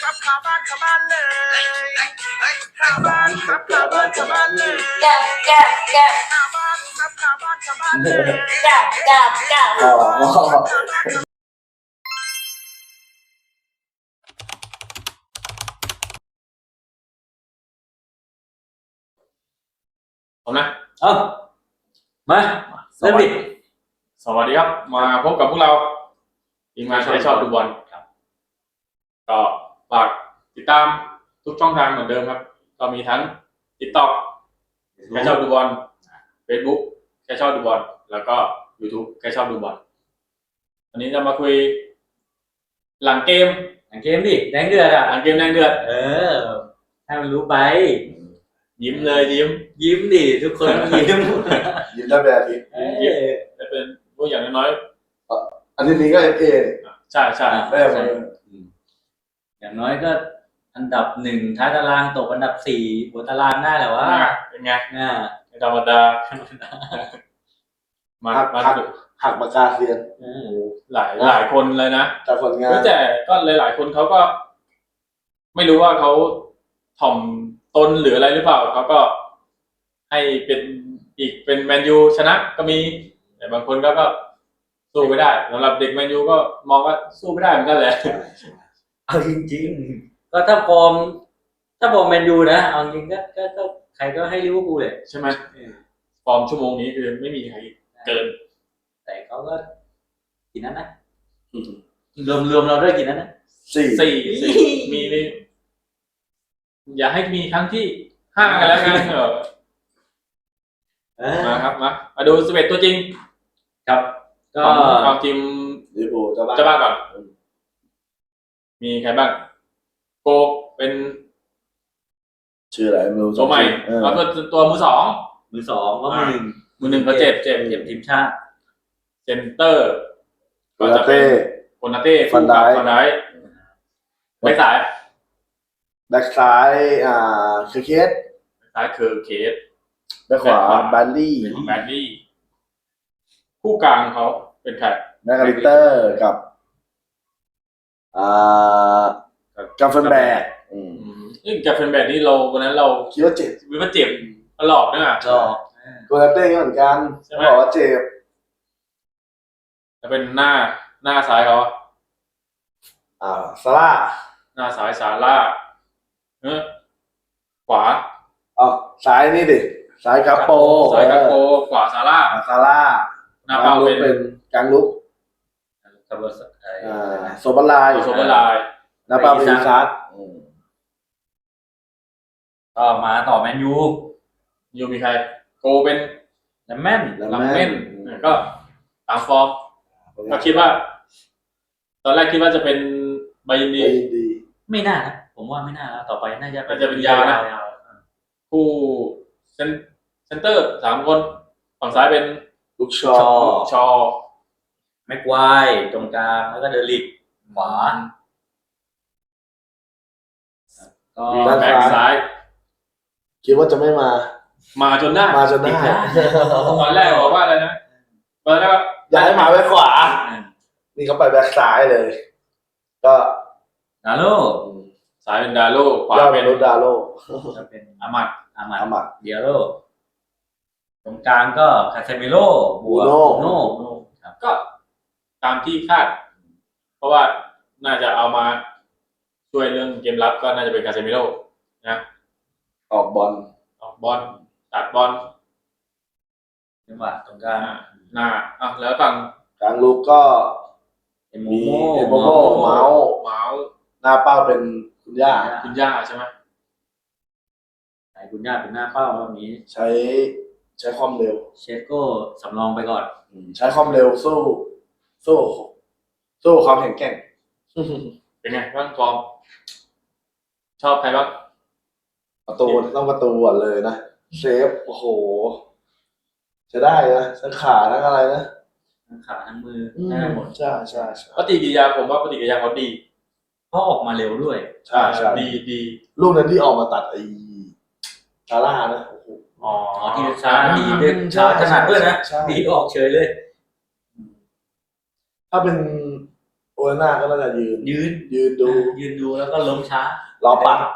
ครับขาบ้านเลยขาบ้านครับขาบ้านเลยแกบแกบแกบขาบ้านครับขาบ้านเลยแกบแกบแกบผมนะเอามาเริ่มดิสวัสดีครับมาพบกับพวกเราทีมงานใครชอบดูบอลครับก็ฝากติดตามทุกช่องทางเหมือนเดิมครับก็มีทั้ง TikTok ใครชอบดูบอล Facebook ใครชอบดูบอลแล้วก็ YouTube ใครชอบดูบอลวันนี้จะมาคุยหลังเกมหลังเกมดิแดงเดือดอ่ะหลังเกมแดงเดือดให้มันรู้ไปยิ้มเลยยิ้มยิ้มดิทุกคนยิ้มยิ้มได้แบบนี้จะเป็นพวกอย่างน้อยอันนี้ก็FA ๆใช่ใช่ได้มาอย่างน้อยก็อันดับ1ท้ายตารางตกอันดับ4หัวตารางได้แหละว่าเป็นไงอ่าธรรมดามาดูหักปากกาเซียนหลายคนเลยนะจากผลงานแต่ก็หลายๆคนเขาก็ ไม่รู้ว่าเขาถ่อมตนหรืออะไรหรือเปล่าเขาก็ให้เป็นอีกเป็นแมนยูชนะก็มีแต่บางคนก็สู้ไม่ได้สำหรับเด็กแมนยูก็มองว่าสู้ไม่ได้เหมือนกันแหละเอาจริงๆก็ถ้าฟอร์มแมนยูนะเอาจริงก็ใครก็ให้ลิเวอร์พูลเลยใช่ไหมฟอร์มชั่วโมงนี้คือไม่มีใครเกินแต่เขาก็กี่นั้นนะรวมเราด้วยกี่นั้นนะสี่มีอย่าให้มีครั้งที่5กันแล้วกันมาครับมาดู11ตัวจริงครับก็ของทีมลิเวอร์พูลเจ้าเจ้าบ้าบ้าน นก่อนมีใครบ้างโกเป็นชื่ออะไรไม่รู้ตัวใหม่แล้วก็ตัวมือสองมือสองก็มือหนึ่งเขาเจ็บทีมชาติเซนเตอร์โคนาเต้โคนาเต้ฟันไดค์ฟันไดค์ไม่สายแบ็คซ้ายคือเคสซ้ายคือเคสแบ็คขวาบัลลี่แบดลี่คู่กลางเขาเป็นใครแม็กอลิสเตอร์กับกัฟเฟนแบกกับเฟนแบดนี่เราวันนั้นเราคิดว่าเจ็บวิว่าเจ็บตลอดเนี่ยก็โคนาเต้ก็เหมือนกันใช่ไหมบอกว่าเจ็บจะเป็นหน้าซ้ายเขาซาร่าหน้าซ้ายซาร่าขวาซ้ายนี่ดิซ้ายกาโปซ้ายกาโปขวาซาร่าซาร่าหน้าเป้าเป็นกลางลุกคาร์บอนโซบาลายโซเบอร์ไลน์หน้าเป้าเป็นอีซักก็มาต่อแมนยูยูมีใครโกเป็นแลมแม่นลำเม่นก็ตามฟอร์มก็คิดว่า ตอนแรกคิดว่าจะเป็นใบยินดียินดีไม่น่านะผมว่าไม่น่าแล้วต่อไปน่าจะน่าจะเป็นยาวนะ คู่เซนเตอร์3 คนฝั่งซ้ายเป็นลูกชอชอแม็กไวตรงกลางแล้วก็เดลิกขวาก็แบ็คซ้ายคิดว่าจะไม่มามาจนได้มาจนได้ตอนแรกบอกว่าอะไรนะตอนแรกว่าอยากให้มาแบ็คขวา นี่เขาไปแบ็คซ้ายเลย ก็ดาโลซ้ายเป็นดาโลขวายอดเป็เป็น นรุดาโลจะเป็นอามัดอามัดอามัดเดียโลตรงกลางก็คาเซมิโร่บัวบูโน่โน่ก็ตามที่คาด เพราะว่าน่าจะเอามาช่วยเรื่องเกมรับก็น่าจะเป็นคาเซมิโร่นะออกบอลออกบอลตัดบอลจังหวะตรงกลางหน้าแล้วฝั่งกลางลุกก็เอโมมีโมเอโมโมเมาส์เมาส์หน้าเป้าเป็นคุณย่าคุณย่าใช่ไหมไหนคุณย่าเป็นหน้าเป้าแบบนี้ใช้ความเร็วเชฟโก้สำรองไปก่อนใช้ความเร็วสู้ความแข็งแกร่งเป็นไงบ้างฟอร์มชอบใครบ้างประตูต้องประตูก่อนเลยนะเซฟโอ้โหจะได้นะทั้งขาทั้งอะไรนะทั้งขาทั้งมือได้หมดใช่ใช่ปฏิกิริยาผมว่าปฏิกิริยาเขาดีเพราะออกมาเร็วด้วยใช่ใช่ดีลูกนั้นที่ออกมาตัดไอ้ซาร่านะโอ้โหอ๋อที่ช้าดีด้วยช้าขนาดด้วยนะใช่ดีออกเฉยเลยถ้าเป็นโอนาน่าก็น่าจะยืนยืนดูยืนดูแล้วก็ล้มช้าเราปัด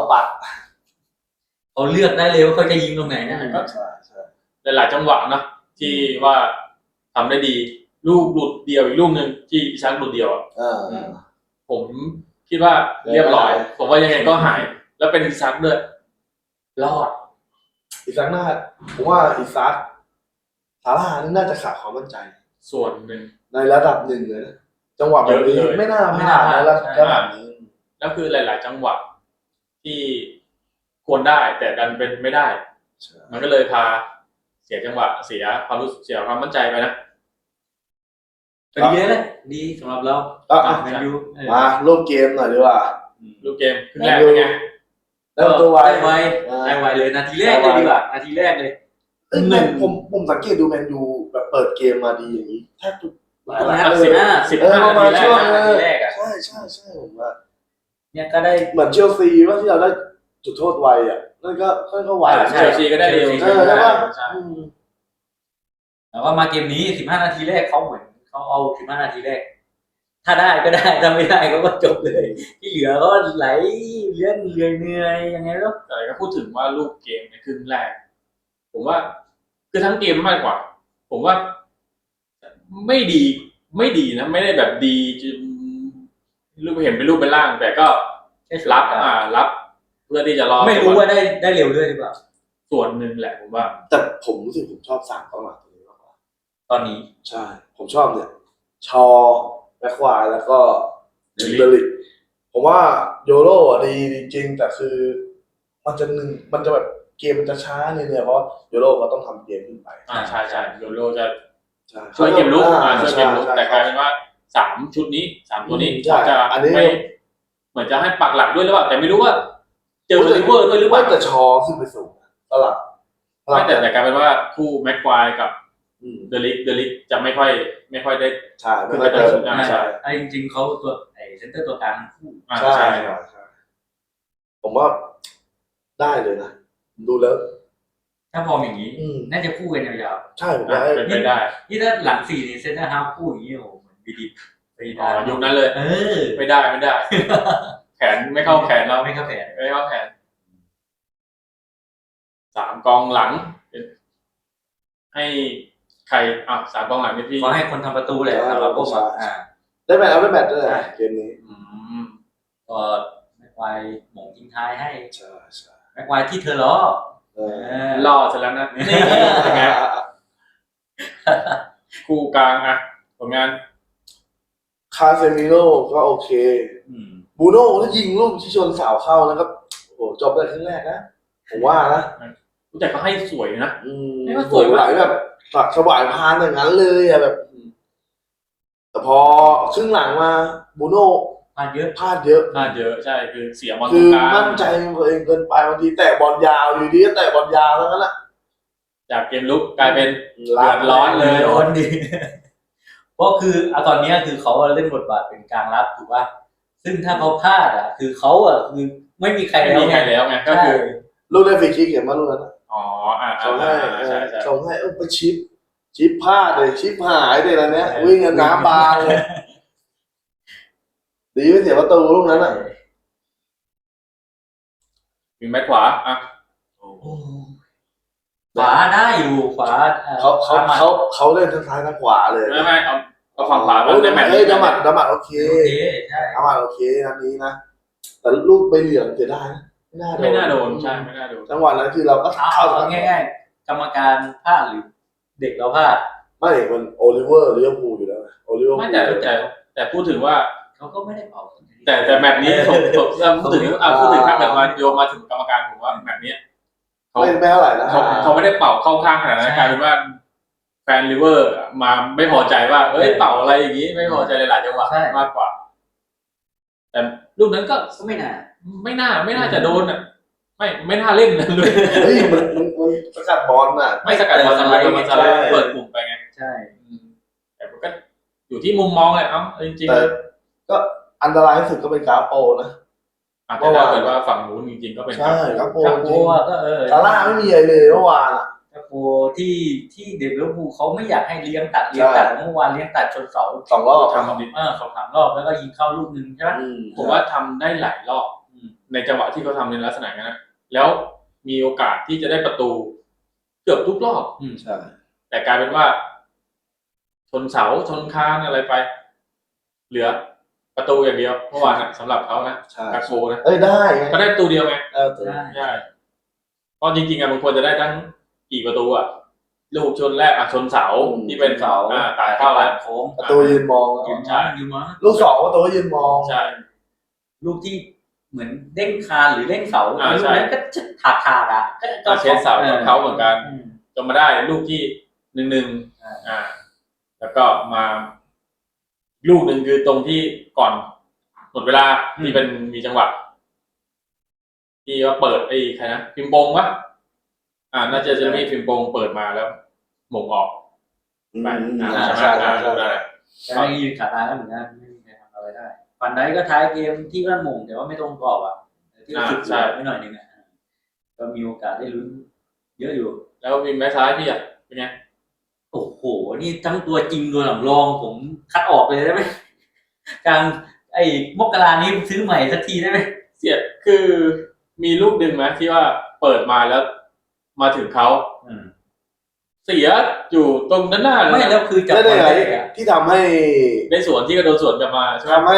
เขาเลือกได้เลยว่าเขาจะยิงตรงไหนนะใช่หลายๆจังหวะนะที่ว่าทำได้ดีลูกหลุดเดียวอีกลูกหนึ่งที่อิซักหลุดเดียวอะ ผมคิดว่าเรียบร้อย ผมว่ายังไงก็หาย แล้วเป็นอิซักด้วยรอดอีซักน่าผมว่าอีซักซาร่านี่น่าจะขาดความมั่นใจส่วนหนึ่งในระดับหนึ่งเลยนะจังหวะแบบนี้เยอะเลยไม่น่าพลาดนะระดับนี้แล้วคือหลาย ๆ จังหวะที่ควรได้ แต่ดันเป็นไม่ได้ มันก็เลยพาเสียจังหวะเสียความรู้เสียความมั่นใจไปนะก็ดีเลยดีสำหรับเรา แมนยูมาร่วมเกมหน่อยดีกว่าลูกเกมครึ่งแรกเป็นไงแล้วตัวไวได้ไวเลยนาทีแรกเลยดีกว่านาทีแรกเลยผมสังเกตดูแมนยูแบบเปิดเกมมาดีอย่างนี้แทบทุก 15 ประมาณช่วงนาทีแรกอะใช่ผมว่าเนี่ยก็ได้เหมือนเชลซีว่าที่เราได้จุดโทษไวอ่ะนั่นก็ไวเชลซีก็ได้เร็วใช่ป่ะแต่ว่ามาเกมนี้15 นาทีแรกเขาเหมือนเขาเอา15 นาทีแรก ถ้าได้ก็ได้ถ้าไม่ได้ก็จบเลย ที่เหลือก็ไหลเลื่อนเหนื่อยยังไงแล้วแต่ก็พูดถึงว่าลูกเกมในครึ่งแรก ผมว่าคือทั้งเกมมากกว่า ผมว่าไม่ดีนะไม่ได้แบบดีจนรูปเห็นเป็นรูปเป็นร่าง แต่ก็รับเพื่อที่จะรอไม่รู้ว่าได้เร็วด้วยหรือเปล่าส่วนหนึ่งแหละผมว่าแต่ผมรู้สึกผมชอบสามกองหลังตัวนี้มากกว่าตอนนี้ใช่ ผมชอบเนี่ย ชอแบ็คควายแล้วก็เดลิกผมว่าโยโร่อะดีจริงแต่คือมันจะแบบเกมมันจะช้าเนี่ยเพราะโยโร่ก็ต้องทำเกมขึ้นไปใช่โยโรจะใช่ช่วยเกมลุกช่วยเกมลุกใช่แต่กลายเป็นว่า3 ชุดนี้3 ตัวนี้ใช่เขาจะอันนี้ไม่เหมือนจะให้ปักหลักด้วยหรือเปล่าแต่ไม่รู้ว่าเจอลิเวอร์ด้วยหรือเปล่าแต่ชอขึ้นไปสูงสลับไม่แต่กลายเป็นว่าคู่แม็กควายกับเดลิกจะไม่ค่อยได้ใช่ไม่ค่อยเติมใช่ไอ้จริงๆเขาตัวไอ้เซนเตอร์ตัวกลางทั้งคู่ใช่ผมว่าได้เลยนะดูแล้วถ้าพออย่างนี้น่าจะคู่กันยาวใช่ผมว่าเป็นไปได้ๆนี่ถ้าหลัง4นี่เซนเตอร์ฮาล์ฟคู่อย่างนี้โอ้โหเหมือนบีดิไปได้ยุคนั้นเลย ไม่ได้ แขนไม่เข้าแขนเราไม่เข้าแผนไม่เข้าแขน3 กองหลัง ให้ใคร3 กองหลังนี่พี่ขอให้คนทำประตูแหละสำหรับพวกมันได้แมตช์เอาได้แมตช์ด้วยเกมนี้ก็แม็กไวร์หม่งทิ้งท้ายให้ใช่แม็กไวร์ที่เธอล้อล่อเสร็จแล้วนะนี่ยังไงคู่กลางผลงานคาเซมิโร่ก็โอเคบูโน่ถ้ายิงลูกที่ชนเสาเข้านะครับโอ้โหจบเลยครึ่งแรกนะผมว่านะแต่ก็ให้สวยนะไม่ว่าสวยไหลแบบสักสวายพานอย่างนั้นเลยอะแบบแต่พอครึ่งหลังมาบูโน่พลาดเยอะพลาดเยอะใช่คือเสียบอลตคืรงอกลางมั่นใจตัวเองเกินไปบางทีแตะบอลยาวอยู่ดีก็แตะบอลยาวแล้วนั่นแหละจากเกมลุกกลายเป็นเดือดร้อนเลยร้อนดีเพราะคือตอนนี้คือเขาเล่นบทบาทเป็นกลางรับถูกป่ะซึ่งถ้าเขาพลาดคือเขาคือไม่มีใครไม่มีใครแล้วไงก็คือลูกได้ฟรีคิกเห็นไหมลูกนั้น ส่งให้ใช่ส่งให้ไปชิปพลาดเลยชิปหายเลยนะเนี้ยวิ่งกันน้ำบานเลยดีไม่เสียประตูลูกนั้นอ่ะมีแม็กขวาขวาได้อยู่ขวาเขาเล่นทั้งซ้ายทั้งขวาเลยไม่เอาฝั่งขวาในแมตช์ดามัดโอเคใช่ดามัดโอเคนัดนี้นะแต่ลูกใบเหลืองเสียดายนะไม่น่าโดนใช่ไม่น่าโดนจังหวะนั้นคือเราก็เอาง่ายๆกรรมการพลาดหรือเด็กเราพลาดไม่มันโอลิเวอร์ลิเวอร์พูลอยู่แล้วโอลิเวอร์ไม่แต่พูดถึงว่าเขาก็ไม่ได้เป่าแต่แมตช์นี้ผมพูดถึงถ้าเกิดมาโยงมาถึงกรรมการผมว่าแมตช์นี้ไม่เท่าไหร่นะเขาไม่ได้เป่าเข้าข้างขนาดนั้นกลายเป็นว่าแฟนลิเวอร์มาไม่พอใจว่าเป่าอะไรอย่างนี้ไม่พอใจหลายๆจังหวะมากกว่าแต่ลูกนั้นก็ไม่น่าจะโดนไม่น่าเล่นนะเลยเฮ้ยมันสกัดบอลน่ะไม่สกัดบอลมันเปิดกลุ่มไปไงใช่แต่ก็อยู่ที่มุมมองเลยจริงๆแต่ก็อันตรายที่สุดก็เป็นกาโปนะแต่ถ้าเกิดว่าฝั่งนู้นจริงๆก็เป็นใช่กาโปกับจโบริงก็ซาร่าไม่มีอะไรเลยเมื่อวานอ่ะโอ้ที่เด็กลิเวอร์พูลเขาไม่อยากให้เลี้ยงตัดเมื่อวานเลี้ยงตัดชนเสา 2 รอบทำดี 2-3 รอบแล้วก็ยิงเข้าลูกนึงใช่ไหมผมว่าทำได้หลายรอบในจังหวะที่เขาทำในลักษณะนั้นนะแล้วมีโอกาสที่จะได้ประตูเกือบทุกรอบใช่แต่กลายเป็นว่า ชนเสาชนคานอะไรไป เหลือประตูอย่างเดียวเมื่อวานสำหรับเขานะใช่กาโกนะได้ไงก็ได้ประตูเดียวไงตัวใช่เพราะจริงๆมันควรจะได้ทั้งกี่ประตูลูกชนแรกชนเสาที่เป็นเสาตายเข้าแล้วโค้งประตูยืนมองยืนมาลูก 2 ประตูยืนมองใช่ลูกที่เหมือนเด้งคานหรือเด้งเสาลูกใช่นั้นก็ถากอ่ะเชนเสาของเขาเหมือนกันจนมาได้ลูกที่1-1แล้วก็มาลูกหนึ่งคือตรงที่ก่อนหมดเวลาที่เป็นมีจังหวะที่ว่าเปิดใครนะพิมพ์ปงวะน่าจะมีพิมพ์ปงเปิดมาแล้วหม่งออกไปใช่ไหมได้แต่ไม่ยืนขาตายแล้วเหมือนกันไม่มีใครทำอะไรได้ฟันได้ก็ท้ายเกมที่ว่าหม่งแต่ว่าไม่ตรงกรอบที่สุดไม่หน่อยนึงก็มีโอกาสได้ลุ้นเยอะอยู่แล้ววิงแบ็คซ้ายพี่เป็นไงโอ้โหนี่ทั้งตัวจริงตัวสำรองผมคัดออกเลยได้ไหมกลางมกรานี้ซื้อใหม่สักทีได้ไหมเสียคือมีลูกดึงไหมที่ว่าเปิดมาแล้วมาถึงเขาเสียอยู่ตรงด้านหน้าเลยไม่แล้วคือจับบอลได้ที่ทำให้ในสวนที่กระโดดสวนกลับมาใช่ไหมทำให้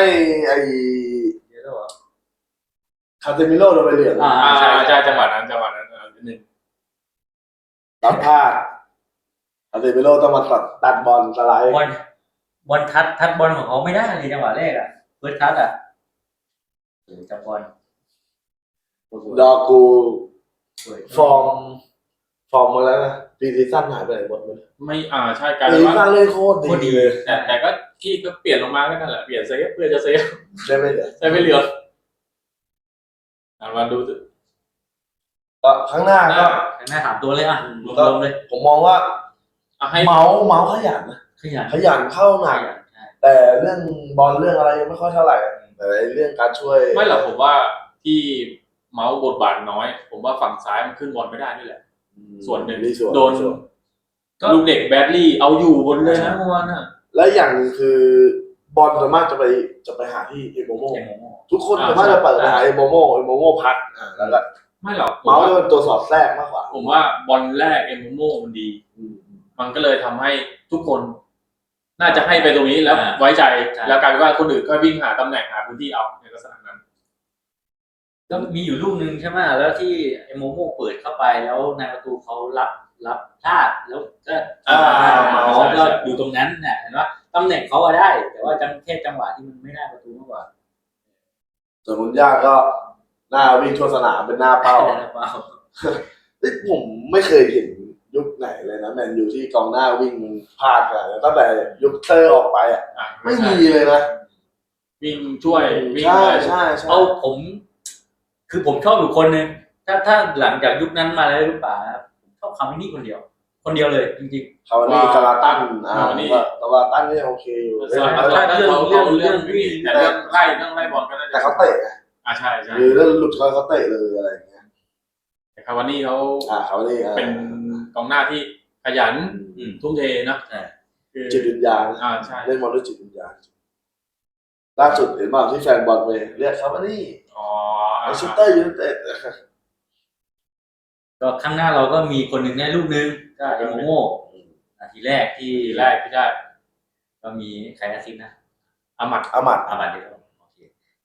คาเซมิโร่โดนใบเหลืองใช่จังหวะนั้นนิดนึงรับพลาดคาเซมิโร่ต้องมาตัดบอลสไลด์บอลทัดบอลของเขาไม่ได้เลยจังหวะแรกเฟิร์สทัดจับบอลดอกูฟอร์มมาแล้วนะปีซีซั่นหายไปไหนหมดเลยไม่ใช่กลายปีเป็นซีซั่ว่านเล่นโคตรดีเลยแต่ก็ที่ก็เปลี่ยนลงมาก็นั่นแหละเปลี่ยนเซฟเพื่อจะเซฟได้ไหมเหรอใช่ไม่เหลือมาดูก็ข้างหน้าก็หน้า3 ตัวเลยรวมเลยผมมองว่าให้เมาส์ขยันนะขยันขยันเข้าหนักแต่เรื่องบอลเรื่องอะไรยังไม่ค่อยเท่าไหร่แต่เรื่องการช่วยไม่หรอกผมว่าที่เมาส์บทบาทน้อย ผมว่าฝั่งซ้ายมันขึ้นบอลไม่ได้นี่แหละส่วนหนึ่งโดนลูกเด็กแบดลี่เอาอยู่บนเลยนะเมื่อวานน่ะและอย่างคือบอลส่วนมากจะไปหาที่เอโมโมทุกคนส่วนมากจะเปิดไปหาเอโมโมพักแล้วก็ไม่หรอกเมาส์เป็นตัวสอดแทรกมากกว่าผมว่าบอลแรกเอมโมมันดีมันก็เลยทำให้ทุกคน น่าจะให้ไปตรงนี้แล้วไว้ใจแล้วกลายเป็นว่าคนอื่นก็วิ่งหาตำแหน่งหาพื้นที่เอาในลักษณะนั้นก็มีอยู่ลูกนึงใช่ไหมแล้วที่โมโมเปิดเข้าไปแล้วนายประตูเขารับพลาดแล้วก็เขาก็อยู่ตรงนั้นเห็นว่าตำแหน่งเขาได้ แต่ว่าแค่จังหวะที่มันไม่ได้ประตูมากกว่าส่วนมุนยาก็หน้าวิ่งทั่วสนามเป็นหน้าเป้าผมไม่เคยเห็นยุคไหนเลยนะแมนยูที่กองหน้าวิ่งพลาดขนาดนั้นตั้งแต่ยุคเตอร์ออกไปไม่มีเลยนะวิ่งช่วยวิ่งใช่เอาผมชอบอยู่คนนึงถ้าหลังจากยุคนั้นมาแล้วหรือเปล่าผมชอบคามินี่คนเดียวเลยจริงคาวานี่กาลาตันกาลาตันนี่โอเคอยู่เรื่องวิ่งแต่เรื่องไล่บอลก็ได้แต่เขาเตะใช่หรือเรื่องหลุดเขาเตะเลยอะไรอย่างเงี้ยแต่คาวานี่เขาคาวานี่เป็นกองหน้าที่ขยันทุ่มเทนะคือจิตวิญญาณใช่เล่นบอลด้วยจิตวิญญาณล่าสุดเห็นบ้างที่แฟนบอลไปเรียกคาวานี่แมนเชสเตอร์ยูไนเต็ดก็ข้างหน้าเราก็มีคนหนึ่งได้ลูกนึงก็โมโมนาทีแรกที่ได้ก็มีใครอาซิสนะอามัดเดียวโอเค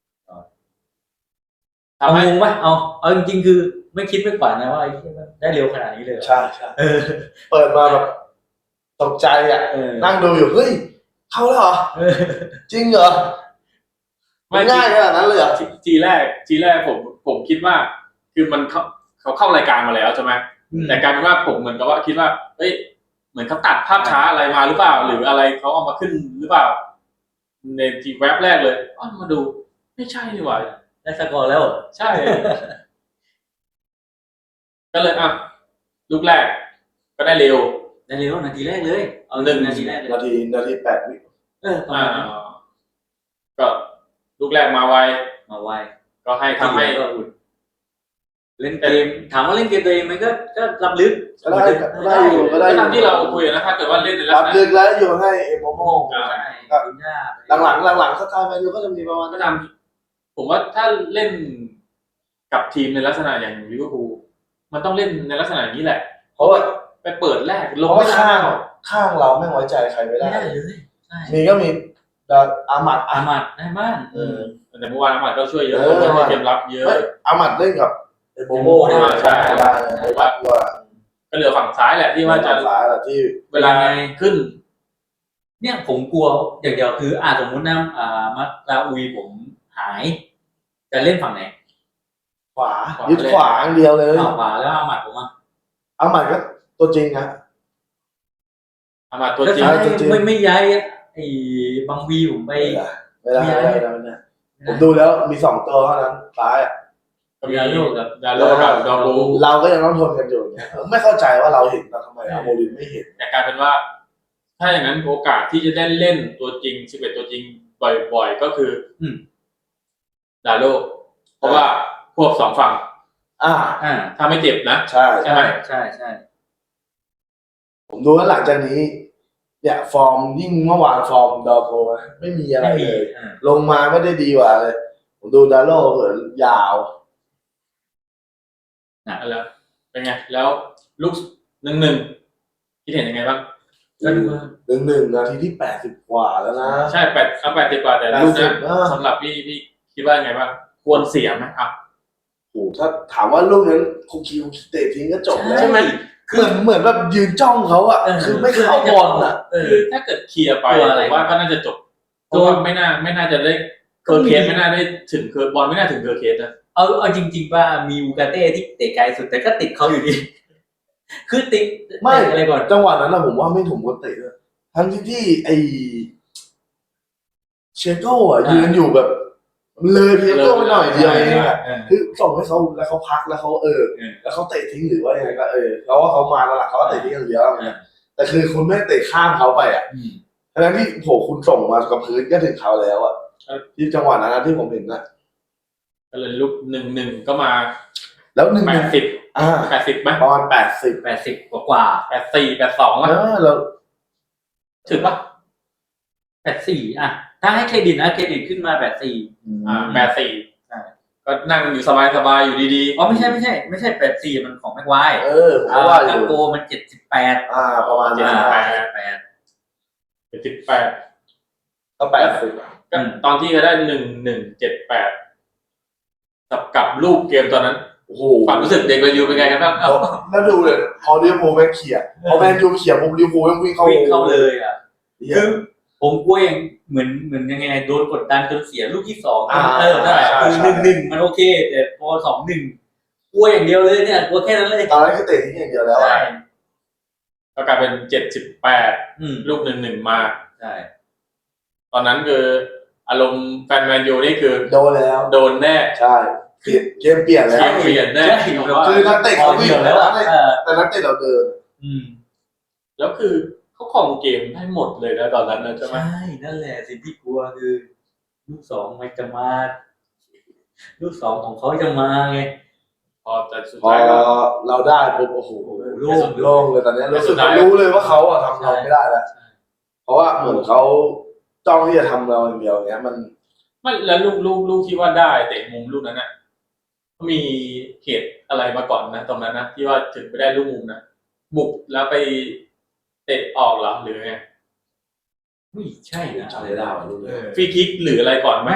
เอางงไหมเอาจริงๆคือไม่คิดไม่ฝันนะว่าได้เร็วขนาดนี้เลยใช่เปิดมาแบบตกใจนั่งดูอยู่เฮ้ยเข้าแล้วเหรอจริงเหรอง่ายขนาดนั้นเลยเหรอทีแรกผมคิดว่าคือมันเขาเข้ารายการมาแล้วใช่ไหมแต่กลายเป็นว่าผมเหมือนกับว่าคิดว่าเอ้ยเหมือนเขาตัดภาพช้าอะไรมาหรือเปล่าหรืออะไรเขาเอามาขึ้นหรือเปล่าในทีแว็บแรกเลยมาดูไม่ใช่นี่หว่าได้สกอร์แล้วใช่ ก็เลยลูกแรกก็ได้เร็วนาทีแรกเลยเอานาทีแรกเลยนาที8 วิประมาณนั้นก็ลูกแรกมาไวก็ทำให้เล่นเกมถามว่าเล่นเกมตัวเองมันก็รับลึกก็ได้อยู่ก็ได้ก็อยู่ตามที่เราคุยนะถ้าเกิดว่าเล่นในลักรัษบณะลึกแล้วโยนให้เอ็มโมโมใช่คุณย่าหลังสไตล์แมนยูก็จะมีประมาณก็นั้นตามผมว่าถ้าเล่นกับทีมในลักษณะอย่างลิเวอร์พูลมันต้องเล่นในลักษณะอย่างนี้แหละเพราะว่าไปเปิดแรกลเพงราะไม่ว่าได้ข้างเราไม่ไว้ใจใครไม่ไม่ได้ได้เลยใช่มีก็มีอามัดอามัดได้บ้านแต่เมื่อวานอามัดก็ช่วยเยอะเออในเกมรับเยอะไม่อามัดเล่นกับเอ็มโมโมใช่ได้เลยว่าก็เหลือฝั่งซ้ายแหละที่ว่าจะสายแหละที่เวลาขึ้นเนี่ยผมกลัวอย่างเดียวคือสมมุตินะมัตราอุยผมหายจะเล่นฝั่งไหนขวายึดขวาอย่างเดียวเลยขวาแล้วอามัดผมอ่ะอามัดก็ตัวจริงนะอามัดตัวจริงจริงไม่ย้ายไอ้บางวีผมไปไม่ได้ผมดูแล้วมี2ตัวเท่านั้นซ้ายก็มีดาโลกับดาโลกับดอรูเราก็ยังต้องทนกันอยู่เนี่ยไม่เข้าใจว่าเราเห็นแล้วทำไมอาโมรินไม่เห็นแต่กลายเป็นว่า ถ้าอย่างนั้นโอกาสที่จะได้เล่นตัวจริง11ตัวจริงบ่อยๆก็คือดาโลเพราะว่าพวก2ฝั่ง ถ้าไม่เจ็บนะใช่ใช่ไหมใช่ผมดูแล้วหลังจากนี้เนี่ยฟอร์มยิ่งเมื่อวานฟอร์มดอโพไม่มีอะไรเลย ลงมาไม่ได้ดีกว่าเลย ผมดูดาโลเหินยาวแล้วเป็นไงแล้วลูก1-1คิดเห็นยังไงบ้างก็ดูว่า 1-1 นาทีที่80 กว่าแล้วนะใช่80 กว่าแต่ลูกนะสำหรับพี่คิดว่าไงบ้างควรเสียไหมครับโอ้ถ้าถามว่าลูกนั้นคุกคิวเตะทิ้งก็จบแล้วใช่ไหมเหมือนแบบยืนจ้องเขาอะคือไม่เข้าบอลอะคือถ้าเกิดเคลียร์ไปผมว่าก็น่าจะจบเพราะว่าไม่น่าจะได้เคอร์เคสไม่น่าได้ถึงบอลไม่น่าถึงเคอร์เคสนะเอาจริงๆว่ามีอูกาเต้ที่เตะไกลสุดแต่ก็ติดเขาอยู่ดี คือติดไม่อะไรก่อนจังหวะนั้นนะผมว่าไม่ถูกคนเตะเลยทั้งที่ไอเชโก้อะยืนอยู่แบบ เลยเชโก้ไปหน่อยเดียวเองอะคือส่งให้เขาแล้วเขาพักแล้วเขาแล้วเขาเตะทิ้งหรือว่ายังไงก็แล้วว่าเขามาแล้วล่ะเขาก็เตะทิ้งอย่างเดียวนะแต่คือคุณไม่เตะข้ามเขาไปอะทั้งที่โหคุณส่งมากับพื้นก็ถึงเขาแล้วอะที่จังหวะนั้นที่ผมเห็นนะก็เลยลูก1-1ก็มาแล้ว1-1 80ไหมประมาณ80 80กว่า 84 82วะแล้วถึงปะ 84ถ้าให้เครดิตนะเครดิตขึ้นมา84 84ก็นั่งอยู่สบายๆอยู่ดีๆอ๋อไม่ใช่84มันของแม็กไวร์ผมว่าอยู่โกมัน78 ประมาณนั้น 78 ก็80 ก็ตอนที่เขาได้1178กับรูปเกมตอนนั้นโอ้โหความรู้สึกเด็กแมนยูเป็นไงกันบ้างแล้วดูเลยพอลิเวอร์พูลแม่งเขี่ยพอแมนยูเขี่ยปุ๊บลิเวอร์พูลแม่งวิ่งเข้าวิ่งเข้าเลยอ่ะคืคือ อผมกลัวอย่างเหมือนยังไงโดนกดดันจนเสียลูกที่2นั่นแหละใช่คือ1-1มันโอเคแต่พอ2-1กลัวอย่างเดียวเลยเนี่ยกลัวแค่นั้นเลยตอนนั้นคือเตะทิ้งอย่างเดียวแล้วใช่ก็กลายเป็น78ลูก1-1มาใช่ตอนนั้นคืออารมณ์แฟนแมนยูนี่คือโดนแล้วโดนแน่ใช่เกมเปลี่ยนแล้วเกมเปลี่ยนแน่คือนักเตะเขาวิ่งแล้วอ่ะแต่นักเตะเราเดินแล้วคือเขาครองเกมได้หมดเลยนะตอนนั้นนะใช่ไหมใช่นั่นแหละสิ่งที่กลัวคือลูก2มันจะมาลูก2ของเขาจะมาไงพอแต่สุดพอท้ายก็เราได้ปุ๊บโอ้โหโล่งโล่งเลยตอนนี้รู้เลยว่าเขาทำเราไม่ได้แล้วเพราะว่าเหมือนเขาจ้องที่จะทำเราอย่างเดียวอย่างเงี้ยมันไม่แล้วลูกที่ว่าได้เตะมุมลูกนั้นน่ะมีเหตุอะไรมาก่อนนะตรงนั้นนะที่ว่าถึงไปได้ลูกมุมนะบุกแล้วไปเตะออกเหรอหรือไงไม่ใช่นะจำไม่ได้ว่ะลูกเลยฟรีคิกหรืออะไรก่อนไหม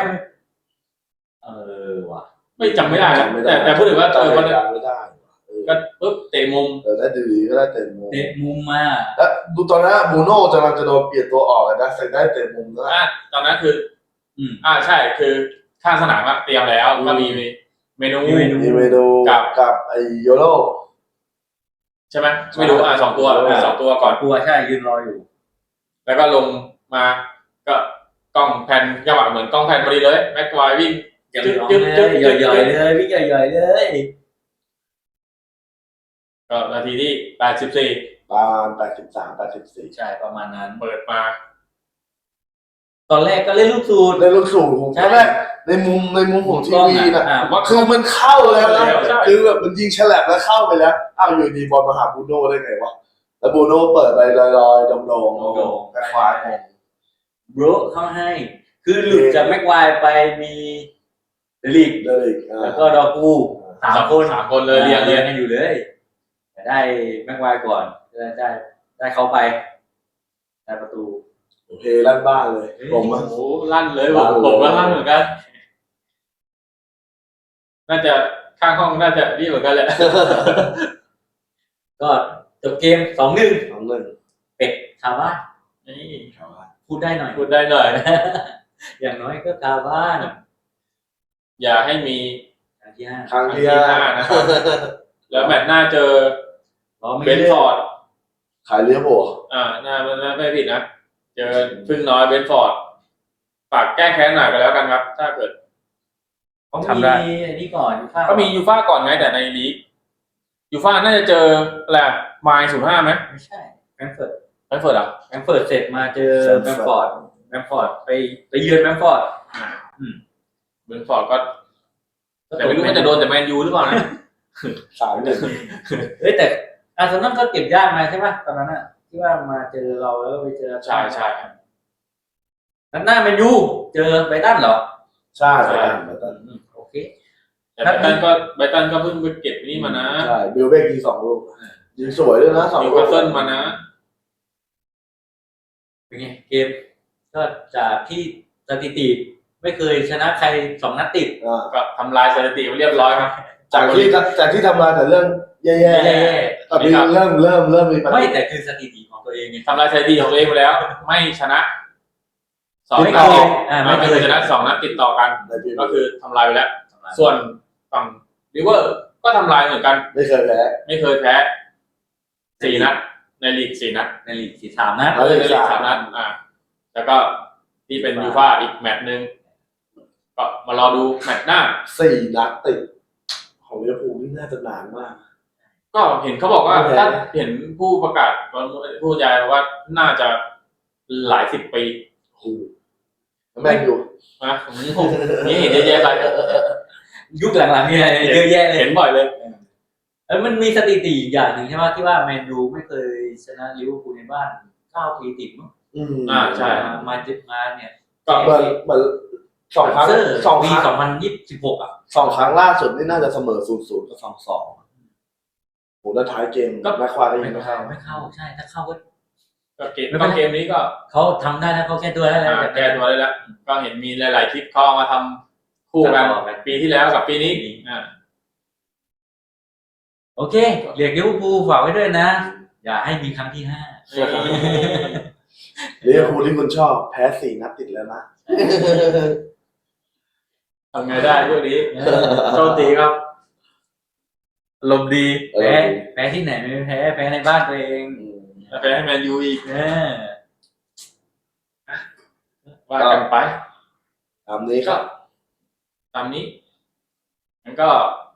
ว่ะไม่จำไม่ได้นะแต่พูดถึงว่าวันนั้นไม่ได้ก็ปุ๊บเตะมุมได้ดีก็ได้เตะมุมเตะมุมมาแล้วดูตอนนั้นบูโน่กำลังจะโดนเปลี่ยนตัวออกเลยนะใส่ได้เตะมุมนะตอนนั้นคือใช่คือข้างสนามเตรียมแล้วก็มีเมนูมีเมนูกับไอโยโรใช่ไหมไม่รู้2 ตัว2 ตัวก่อนตัวใช่ยืนรออยู่แล้วก็ลงมาก็กล้องแผ่นจังหวะเหมือนกล้องแผ่นพอดีเลยแม็กควายวิ่งย่อยๆเลยวิ่งย่อยๆเลยก็นาทีที่84 ประมาณ83 84 ใช่ประมาณนั้นเปิดมาตอนแรกก็เล่นลูกสูตรในลูกสูตรผมใช่ตอนแรกในมุมของทีวีน่ะว่าคือมันเข้าแล้วนะใช่คือแบบมันยิงฉลับแล้วเข้าไปแล้วอ้าวอยู่ดีบอลมาหาบูโน่ได้ไงวะแล้วบูโน่เปิดไปลอยๆโด่งๆแต่ควายงงโบรเข้าให้ คือหลุดจากแม็กไวร์ไปมีเดลิกเลยแล้วก็ดอกู3 คนเลยเรียงกันอยู่เลยแต่ได้แม็กไวร์ก่อนได้เข้าไปได้ประตูเพลลั่นบ้านเลยผมโอ้อะโหลั่นเลยผมก็ลั่นเหมือนกัน น่าจะข้างห้องน่าจะนี่เหมือนกันแหละก็จบเกม 2-1 น้องหนึ่งเป็ดคาบ้านนี่พูดได้หน่อยพูดได้หน่อยอย่างน้อยก็คาบ้านอย่าให้มีครั้งที่ห้าครั้งที่ครั้งที่ห้าห้านะครับ แล้วแมตช์หน้าเจอไม่เบนฟอร์ดขายเลี้ยบวน่าไม่ผิดนะ เจอพึ่งน้อยเบนฟอร์ด ฝากแก้แค้นหน่อยกันแล้วกันครับ ถ้าเกิดเขาทำได้มีอันนี้ก่อนอยู่ข้างก็มียูฟ่าก่อนไงแต่ในลีกยูฟ่าน่าจะเจออะไรไมล์05ไหมไม่ใช่แฟรงก์เฟิร์ตแฟรงก์เฟิร์ตอ่ะเสร็จมาเจอแบมฟอร์ดไปเยือนแบมฟอร์ดเบนฟอร์ดก็แต่ไม่รู้ว่าจะโดนแต่แมนยูหรือเปล่านะ 3-1 เฮ้ยแต่อาร์เซนอลก็เก็บยากมาใช่ไหมตอนนั้นอ่ะที่ว่ามาเจอเราแล้วก็ไปเจอใช่นัดหน้าแมนยูเจอไบรตันเหรอใช่โอเคแต่ไบรตันก็เพิ่งไปเก็บนี่มานะใช่บิลเบกยิง2 ลูกยิงสวยด้วยนะ2 นิลูวกคาสเซิลมานะเป็นไงเกมก็จากที่สถิติไม่เคยชนะใคร2 นัดติดก็ทำลายสถิติไปเรียบร้อยครับจากที่ทำมาแต่เรื่องแย่ๆตอนนี้เริ่มมีปัญไม่หาแต่คือสถิติของตัวเองไงทำลายสถิติของตัวเองไปแล้ว ไม่ชนะ2 ไม่นัดเคติยดไม่เคยชนะ2 นัดติดต่อกันในปีก็คือทำลายไปแล้ว ส่วนฝั่งริเวอร์ก็ทำลายเหมือนกันไม่เคยแพ้ไม่เคยแพ้4 นัดในลีก4 นัดในลีก3 นัดในลีก3 นัดแล้วก็ที่เป็นยูฟ่าอีกแมตช์นึงก็มารอดูแมตช์หน้า 4 นัดติดของลิเวอร์พูลนี่น่าจะนานมากก็เห็นเขาบอกว่าถ้าเห็นผู้ประกาศผู้บรรยายว่าน่าจะหลาย10 ปีโอ้โหแมนยูนะนี่เห็นเยอะแยะไปยุคหลังๆเนี่ยเยอะแยะเลยเห็นบ่อยเลยมันมีสถิติอีกอย่างหนึ่งใช่ไหมที่ว่าแมนยูไม่เคยชนะลิเวอร์พูลในบ้าน9 ปีติดมั้งใช่มาเนี่ยก็เหมือน2 ครั้งปี2026อ่ะ 2 ครั้งล่าสุดนี่น่าจะเสมอ 0-0 กับ 2-2โหแล้วท้ายเกมแม็กควายก็ยิงไม่เข้าไม่เข้าใช่ถ้าเข้าก็เกมนี้ก็เขาทำได้แล้วเขาแก้ตัวได้แล้วแก้ตัวได้แล้วก็เห็นมีหลายๆคลิปเขาเอามาทำคู่กันปีที่แล้วกับปีนี้โอเคเรียกลิเวอร์พูลฝากไว้ด้วยนะ อย่าให้มีครั้งที่ลิเวอร์พูลที่คุณชอบแพ้4 นัดติดแล้วนะทำไงได้พวกนี้โชคดีครับลมณ์ดี 5แพ้ที่ไหนไม่แพ้ในบ้านตัวเองแพ้ให้แมนยูอีกเออว่ากันไปตามนี้ครับตามนี้งั้นก็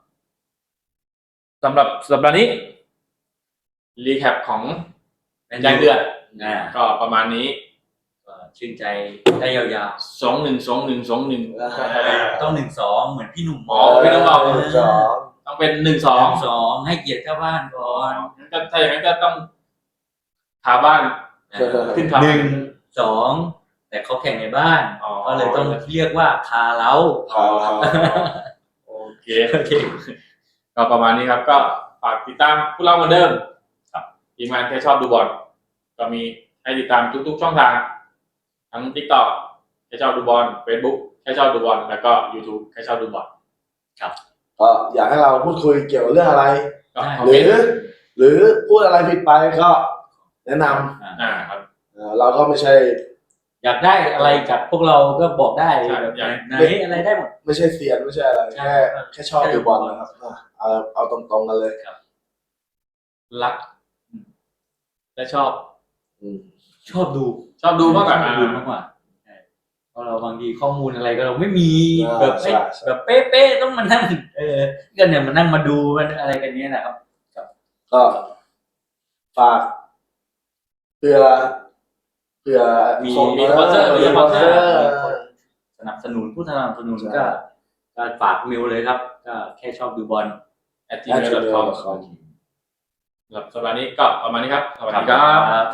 สำหรับสัปดาห์นี้รีแคปของยางเดือดก็ประมาณนี้ชื่นใจได้ยาว 2-1 ๆต้อง1-2เหมือนพี่หนุ่มพี่ต้องเอา 2 ต้องเป็น 1-2 ให้เกียรติเจ้าบ้านก่อนถ้าอย่างนั้นก็ต้องคาบ้านขึ้นคา 1-2แต่เขาแข่งในบ้านก็เลยต้องเรียกว่าคาเล้าโอเคก็ประมาณนี้ครับ ก็ฝากติดตามพวกเราเหมือนเดิมทีมงานแค่ชอบดูบอลก็มีให้ติดตามทุกๆช่องทางทั้ง TikTok แค่ชอบดูบอล Facebook แค่ชอบดูบอลแล้วก็ YouTube แค่ชอบดูบอลก็อยากให้เราพูดคุยเกี่ยวกับเรื่องอะไรก็คอมหเมรืนต์หรือพูดอะไรผิดไปก็แนะนครับำเราก็ไม่ใช่อยากได้อะไรจากพวกเราก็บอกได้แบบไหนอะไรได้หมดไม่ใช่เซียนไม่ใช่อะไรแค่ชอบดูบอลนะครับเอาตรงๆกันเลยรักและชอบชอบดูมากกว่าดูมากกว่าเพราะเราบางทีข้อมูลอะไรก็เราไม่มีแบบใช่แบบเป๊ะๆต้องมานั่งก็เนี่ยมานั่งมาดูมันอะไรกันเนี้ยนะครับก็ฝากเพื่อเผื่อมีของมีสปอนเซอร์มีสปอนเซอร์อมีคนสนับสนุนผู้สนับสนุนก็ฝากเมลเลยครับ ก็แค่ชอบดูบอล @gmail.com สำหรับสัปดาห์นี้ก็ประมาณนี้ครับสวัสดีครับ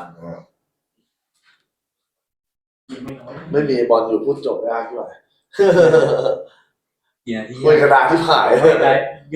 ไม่มีบอลอยู่พูดจบยากด้วยกี่นาทีคุยกระดาษที่ผายได้